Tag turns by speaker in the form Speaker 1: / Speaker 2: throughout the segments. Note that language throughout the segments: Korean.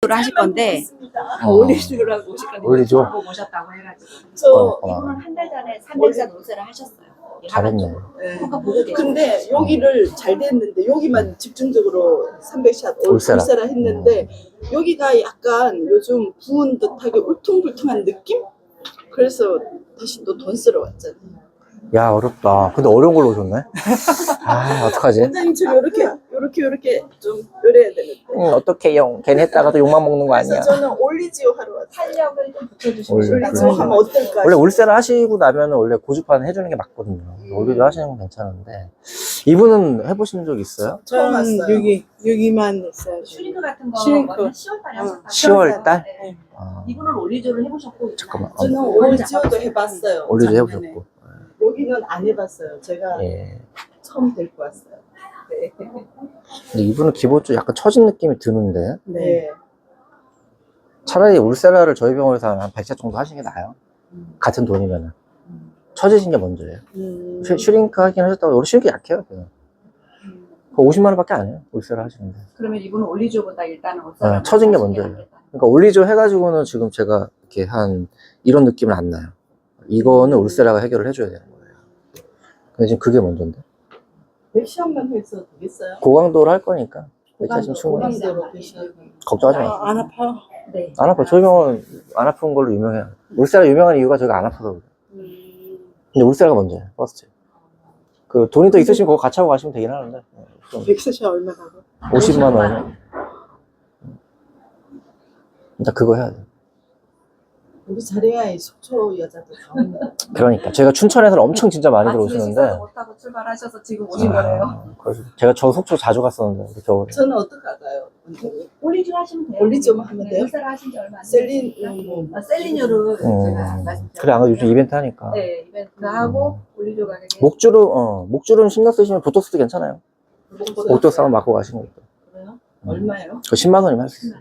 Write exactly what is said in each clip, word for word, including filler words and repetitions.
Speaker 1: 올리조를 하실 건데
Speaker 2: 어.
Speaker 1: 올리조라고 오실 건데
Speaker 2: 올리조?
Speaker 1: 보고 오셨다고 해가지고
Speaker 3: 저
Speaker 2: 어.
Speaker 1: 이분은 한 달 전에 삼백샷 울세를 하셨어요.
Speaker 2: 잘했네.
Speaker 3: 네.
Speaker 1: 효과 보고 계세요.
Speaker 3: 근데 여기를 잘 됐는데 여기만 집중적으로 삼백샷 올-
Speaker 2: 울세라.
Speaker 3: 울세라 했는데 여기가 약간 요즘 부은 듯하게 울퉁불퉁한 느낌? 그래서 다시 또 돈 쓰러 왔잖아요.
Speaker 2: 야, 어렵다. 근데 어려운 걸로 오셨네? 아, 어떡하지?
Speaker 3: 원장님처럼 이렇게 요렇게 요렇게 좀 요래야 되는데.
Speaker 2: 응, 어떡해요. 괜히 했다가도 욕만 먹는 거
Speaker 3: 그래서
Speaker 2: 아니야.
Speaker 3: 저는 올리지오 하러 왔어요.
Speaker 1: 탄력을 좀 붙여주시면
Speaker 2: 올리지오
Speaker 1: 좋다고
Speaker 3: 올리지오 하면 어떨까?
Speaker 2: 원래 울세를 하시고 나면 원래 고주파는 해주는 게 맞거든요. 올리조 하시는 건 괜찮은데. 이분은 해보신 적 있어요?
Speaker 3: 처음
Speaker 4: 저는
Speaker 3: 왔어요.
Speaker 4: 여기 여기만 했어요.
Speaker 1: 슈링크 같은 거
Speaker 4: 슈링크.
Speaker 1: 시월 달에
Speaker 4: 어.
Speaker 1: 하셨다고.
Speaker 2: 시월 달?
Speaker 1: 네.
Speaker 2: 아,
Speaker 1: 이분은 올리조를 해보셨고
Speaker 2: 잠깐만. 어,
Speaker 3: 저는 올리지오도 해봤어요.
Speaker 2: 올리조
Speaker 3: 작년에.
Speaker 2: 해보셨고.
Speaker 3: 여기는 안 해봤어요. 제가
Speaker 2: 예.
Speaker 3: 처음 데리고 왔어요. 네.
Speaker 2: 근데 이분은 기본적으로 약간 처진 느낌이 드는데.
Speaker 3: 네.
Speaker 2: 차라리 울세라를 저희 병원에서 한 백 샷 정도 하시는 게 나아요. 같은 돈이면은. 처지신 게 먼저예요.
Speaker 3: 음.
Speaker 2: 슈, 슈링크 하긴 하셨다고. 우리 슈링크 약해요. 그냥. 그 오십만 원밖에 안 해요. 울세라 하시는데.
Speaker 1: 그러면 이분은 올리조보다 일단은
Speaker 2: 네,
Speaker 1: 옷사람
Speaker 2: 처진 게 먼저예요. 그러니까 올리조 해가지고는 지금 제가 이렇게 한 이런 느낌은 안 나요. 이거는 울세라가 해결을 해줘야 되는 거예요. 근데 지금 그게 먼저인데.
Speaker 3: 백시험만 해서 되겠어요?
Speaker 2: 고강도를 할 거니까. 백 샷이면
Speaker 3: 고강도,
Speaker 2: 충분히.
Speaker 3: 고강도로 백시험.
Speaker 2: 걱정하지 마.
Speaker 4: 아, 안 아파.
Speaker 1: 네.
Speaker 2: 안 아파. 저희 병원 안 아픈 걸로 유명해요. 울세라 유명한 이유가 저희가 안 아파서 그래요. 근데 울세라가 먼저예요. 퍼스트. 그 돈이 더 있으시면 그거 같이 하고 가시면 되긴 하는데. 좀
Speaker 4: 백세샷 얼마라고?
Speaker 2: 오십만 원이면. 일단 그거 해야 돼.
Speaker 3: 우리 자리야 이 속초 여자도 다 오는 거.
Speaker 2: 그러니까 제가 춘천에서 엄청 진짜 많이
Speaker 1: 아침에
Speaker 2: 들어오시는데.
Speaker 1: 식사도 못하고 출발하셔서 지금 오신 거예요.
Speaker 2: 아, 그래서 제가 저 속초 자주 갔었는데 겨울에.
Speaker 3: 저는 어떻게 알아요? 원장님?
Speaker 1: 올리조 하시면 돼요.
Speaker 3: 올리조만 하면 돼요?
Speaker 1: 울세라 하신 지 얼마 안
Speaker 3: 셀린
Speaker 1: 됐으니까.
Speaker 3: 뭐
Speaker 1: 아, 셀리뇨를 제가
Speaker 2: 음,
Speaker 1: 말씀드렸어요.
Speaker 2: 그래 안 그래도 요즘 이벤트 하니까.
Speaker 1: 네, 이벤트 하고 올리조 가격에
Speaker 2: 목주름 어 목주름 신경 쓰시면 보톡스도 괜찮아요. 보톡스 한번 맞고 가시는 것도.
Speaker 3: 그래요?
Speaker 2: 음.
Speaker 3: 얼마예요?
Speaker 2: 그 십만 원이면 할 수 있어요.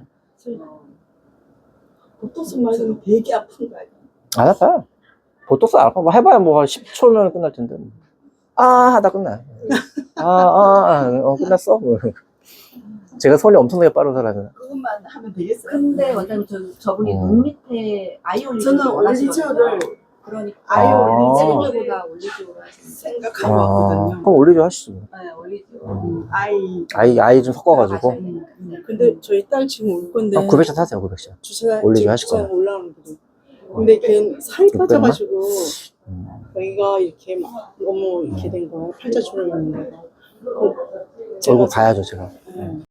Speaker 3: 보톡스 맞으면 되게 아픈 거 아니에요?
Speaker 2: 안 아파요. 보톡스 안 아파. 뭐 해봐야 뭐 한 십 초면 끝날 텐데. 아 하다 끝나요. 아, 아, 아, 어, 끝났어. 뭐. 제가 손이 엄청나게 빠른 사람이라.
Speaker 3: 그것만 하면 되겠어요?
Speaker 1: 근데 원장님 저, 저분이
Speaker 2: 음.
Speaker 1: 눈 밑에 아이 올리조를
Speaker 3: 저는
Speaker 1: 원하시거든요.
Speaker 3: 올리지오를
Speaker 1: 그러니까
Speaker 3: 아예
Speaker 2: 아.
Speaker 1: 셀리뇨보다 올리조를 하시는
Speaker 3: 생각하고
Speaker 2: 아,
Speaker 3: 왔거든요.
Speaker 2: 그럼 올리죠 하시죠.
Speaker 1: 네, 올리조.
Speaker 3: 음, 아이
Speaker 2: 아이 아이 좀 섞어가지고.
Speaker 1: 음,
Speaker 4: 음, 근데 저희 딸 지금 올 건데.
Speaker 2: 아, 구백 샷 하세요. 구백 샷.
Speaker 4: 주차
Speaker 2: 올리죠
Speaker 4: 지금
Speaker 2: 하실
Speaker 4: 주차장
Speaker 2: 거예요.
Speaker 4: 올라오는 거죠. 근데 걔는 살이
Speaker 2: 육백만?
Speaker 4: 빠져가지고
Speaker 2: 음.
Speaker 4: 여기가 이렇게 막 너무 이렇게 된 거야. 팔자주름이 있는 거야.
Speaker 2: 얼굴 봐야죠 제가.
Speaker 4: 음.